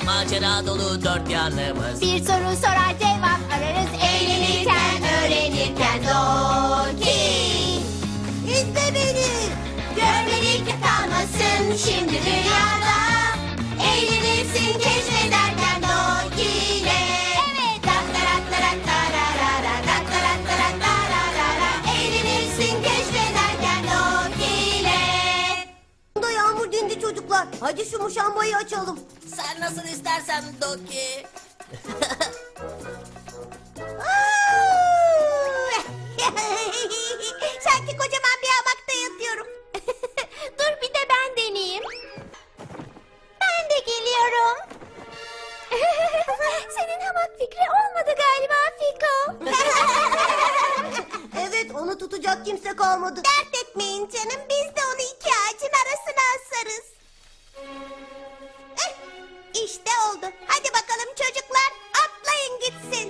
macera dolu dört yanımız. Bir soru sorar cevap ararız. Eğlenirken, öğrenirken Doki. İzle beni. Görmedik kalmasın şimdi dünyada. Eğlenirsin keşfederken Doki ile. Evet. Eğlenirsin keşfederken Doki ile. Da yağmur dindi çocuklar. Hadi şu muşambayı açalım. Sen nasıl istersen Doki. Sanki kocaman bir hamakta yatıyorum. Dur bir de ben deneyeyim. Ben de geliyorum. Senin hamak fikri olmadı galiba Fiko. Evet, onu tutacak kimse kalmadı. Dert etmeyin canım, biz de onu iki ağacın arasına asarız. İşte oldu. Hadi bakalım çocuklar, atlayın gitsin.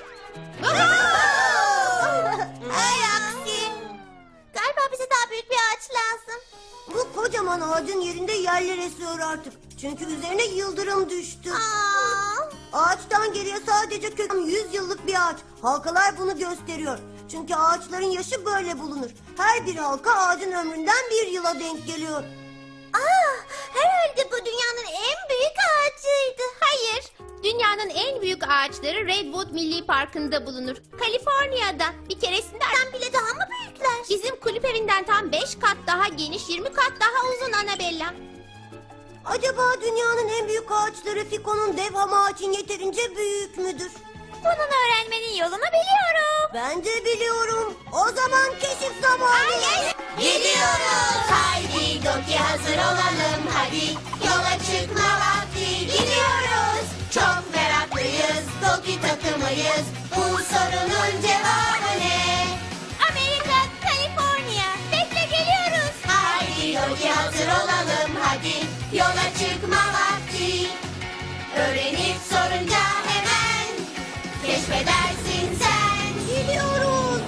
Ay aksi. Galiba bize daha büyük bir ağaç lazım. Bu kocaman ağacın yerinde yerler esiyor artık. Çünkü üzerine yıldırım düştü. Ağaçtan geriye sadece kök 100 yıllık bir ağaç. Halkalar bunu gösteriyor. Çünkü ağaçların yaşı böyle bulunur. Her bir halka ağacın ömründen bir yıla denk geliyor. Herhalde bu dünyanın en büyük ağacıydı. Hayır, dünyanın en büyük ağaçları Redwood Milli Parkı'nda bulunur. Kaliforniya'da. Bir keresinde bile daha mı büyükler? Bizim kulüp evinden tam 5 kat daha geniş, 20 kat daha uzun Annabella. Acaba dünyanın en büyük ağaçları Fiko'nun dev hamağı için yeterince büyük müdür? Bunun öğrenmenin yolunu biliyorum. Ben de biliyorum. O zaman keşif zamanı. Gidiyoruz. Haydi Doki hazır olalım. Hadi yola çıkma vakti. Gidiyoruz. Çok meraklıyız. Doki takımıyız. Bu sorunun cevabı ne? Amerika, Kaliforniya. Bekle geliyoruz. Haydi Doki hazır olalım. Hadi yola çıkma vakti. Öğrenip sorunca hemen keşfedersin sen. Gidiyoruz.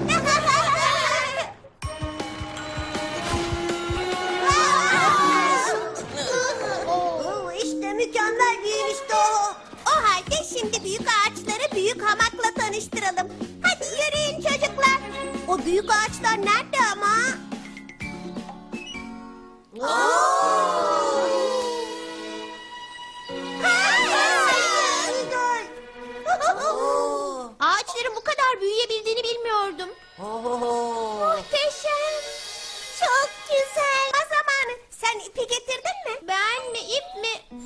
İşte mükemmel bir işte o. O halde şimdi büyük ağaçları büyük hamakla tanıştıralım. Hadi yürüyün çocuklar. O büyük ağaçlar nerede ama? Güzel. Ağaçların bu kadar büyüyebildiğini bilmiyordum. Muhteşem. Çok güzel. O zamanı sen ipi getirdin mi? Ben mi ip mi?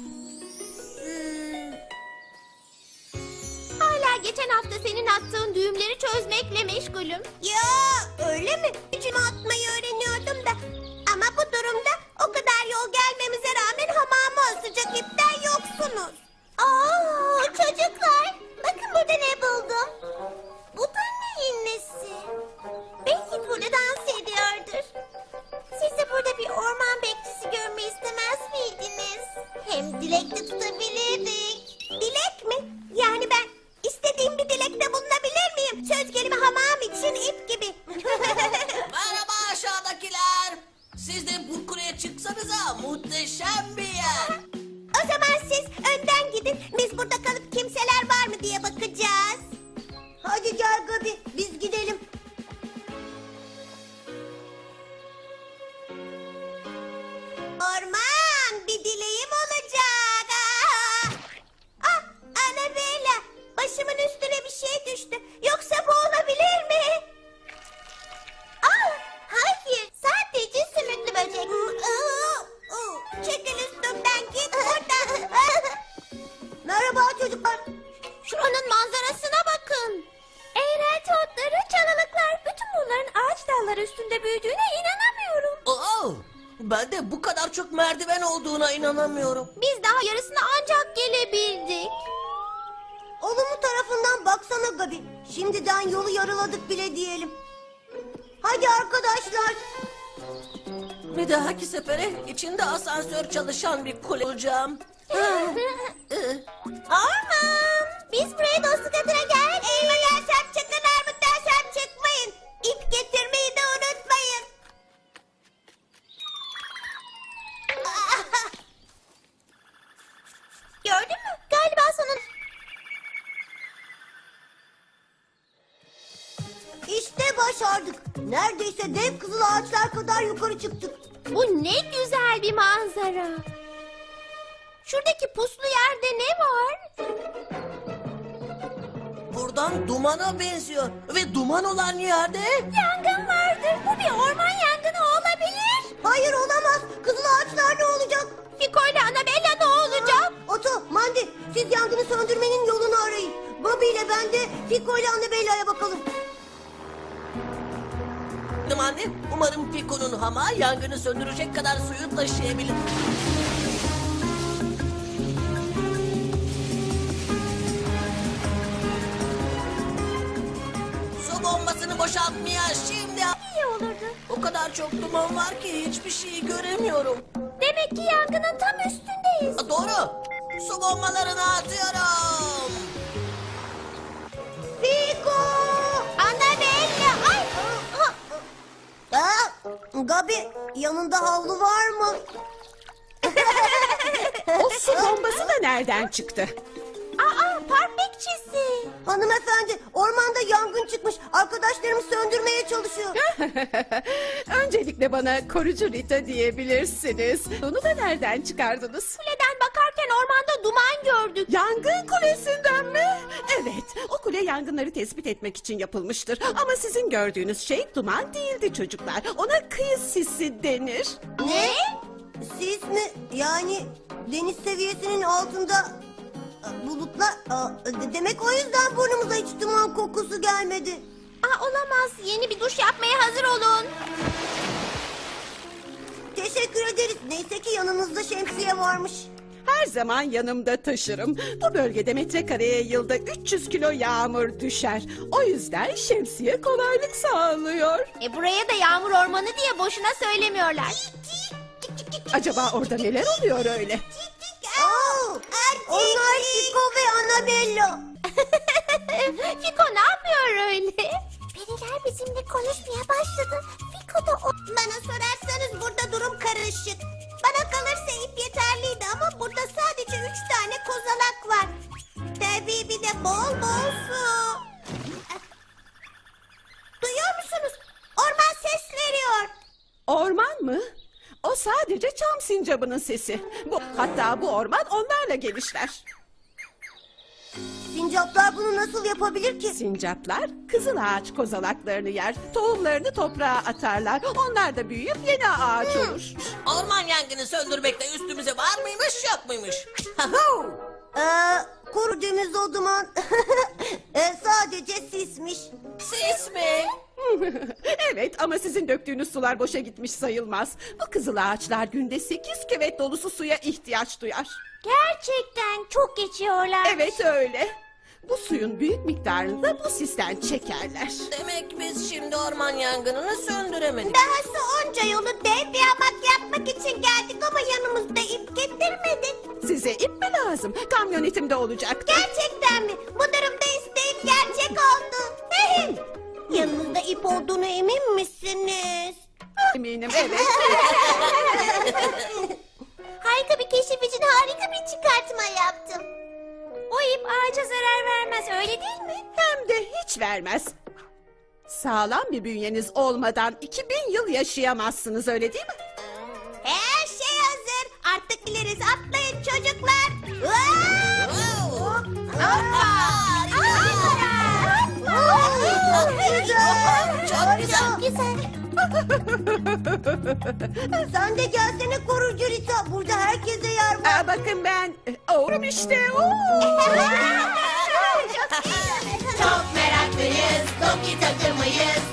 Hala geçen hafta senin attığın düğümleri çözmekle meşgulüm. Ya öyle mi? Gücümü atmayı öğreniyordum da. Ama bu durumda o kadar yol gelmemize rağmen hamama asacak ipten yoksunuz. Çocuklar, bakın burada ne buldum. Bu da neyin nesi? Belki burada dans ediyordur. Siz de burada bir orman bekçisi görmeyi istemez miydiniz? Hem dilek de tutabilirdik. Dilek mi? Yani ben istediğim bir dilekte bulunabilir miyim? Söz gelimi hamam için ip gibi. Merhaba aşağıdakiler. Siz de bu kuleye çıksanıza, muhteşem bir yer. O zaman siz önden gidin. Biz burada kalıp kimseler var mı diye bakacağız. Hadi gel Gabi, biz gidelim. Orman, bir dileğim olacak. Annabella, başımın üstüne bir şey düştü. Yoksa bu olabilir mi? Hayır, sadece sümüklü böcek. Çekil üstümden, git buradan. Merhaba çocuklar. Şuranın manzarasına bakın. Eğrelti otları, çalılıklar, bütün bunların ağaç dalları üstünde büyüdüğüne inanamıyorum. Ben de bu kadar çok merdiven olduğuna inanamıyorum. Biz daha yarısına ancak gelebildik. Olumlu tarafından baksana Gabi. Şimdiden yolu yarıladık bile diyelim. Hadi arkadaşlar. Bir dahaki sefere içinde asansör çalışan bir kule olacağım. Orman. Biz buraya dostluk adına geldik. Elma dersem çıkın, armut dersem çıkmayın. İp getirmeyi de unutmayın. Gördün Neredeyse dev kızıl ağaçlar kadar yukarı çıktık. Bu ne güzel bir manzara. Şuradaki puslu yerde ne var? Buradan dumana benziyor. Ve duman olan yerde... Yangın vardır. Bu bir orman yangını olabilir. Hayır olamaz. Kızıl ağaçlar ne olacak? Fiko ile Annabella ne olacak? Oto, Mandi siz yangını söndürmenin yolunu arayın. Bobby ile ben de Fiko ile Annabella'ya bakalım. Anne, umarım Fiko'nun hamağı yangını söndürecek kadar suyu taşıyabilir. Su bombasını boşaltmaya şimdi... İyi olurdu. O kadar çok duman var ki hiçbir şeyi göremiyorum. Demek ki yangının tam üstündeyiz. Doğru. Su bombalarını atıyorum. Fiko! Annabella! Ay! Gabi yanında havlu var mı? O su bombası da nereden çıktı? Aa, park bekçisi. Hanımefendi ormanda yangın çıkmış. Arkadaşlarım söndürmeye çalışıyor. Öncelikle bana korucu Rita diyebilirsiniz. Onu da nereden çıkardınız? Kuleden bakarken ormanda duman gördük. Yangın kulesinden mi? Evet, o kule yangınları tespit etmek için yapılmıştır. Ama sizin gördüğünüz şey duman değildi çocuklar. Ona kıyı sisi denir. Ne? Sis mi? Yani deniz seviyesinin altında bulutlar... Demek o yüzden burnumuza hiç duman kokusu gelmedi. Aa, olamaz. Yeni bir duş yapmaya hazır olun. Teşekkür ederiz. Neyse ki yanınızda şemsiye varmış. Her zaman yanımda taşırım. Bu bölgede metrekareye yılda 300 kilo yağmur düşer. O yüzden şemsiye kolaylık sağlıyor. Buraya da yağmur ormanı diye boşuna söylemiyorlar. Acaba orada neler oluyor öyle? Onlar Fiko ve Annabella. Fiko ne yapıyor öyle? Periler bizimle konuşmaya başladı. Fiko da o... Bana sorarsanız burada durum karışık. Bana kalırsa ip yeterliydi ama burada sadece 3 tane kozalak var. Tabii bir de bol bol su. Duyuyor musunuz? Orman ses veriyor. Orman mı? O sadece çam sincabının sesi. Hatta bu orman onlarla gelişler. Sincaplar bunu nasıl yapabilir ki? Sincaplar kızıl ağaç kozalaklarını yer. Tohumlarını toprağa atarlar. Onlar da büyüyüp yeni ağaç olur. Orman yangını söndürmekte üstümüze var mıymış yok muymuş? Kuru deniz o duman. Sadece sismiş. Sis mi? Evet ama sizin döktüğünüz sular boşa gitmiş sayılmaz. Bu kızıl ağaçlar günde 8 küvet dolusu suya ihtiyaç duyar. Gerçekten çok geçiyorlar. Evet öyle. Bu suyun büyük miktarını da bu sisten çekerler. Demek biz şimdi orman yangınını söndüremedik. Dahası onca yolu dev bir hamak yapmak için geldik ama yanımızda ip getirmedik. Size ip mi lazım? Kamyonetimde olacaktı. Gerçekten mi? Bu durumda isteğim gerçek oldu. Yanınızda ip olduğunu emin misiniz? Eminim evet. Harika bir keşif için harika bir çıkartma yaptım. O ip ağaca zarar vermez, öyle değil mi? Hem de hiç vermez. Sağlam bir bünyeniz olmadan 2000 yıl yaşayamazsınız öyle değil mi? Her şey hazır. Artık gideriz. Atlayın çocuklar. Çok güzel. Sen de gelsene korucu Rita. Burada herkese yer var. Bakın ben... Oğlum işte. Oo. Çok meraklıyız, Doki takımıyız.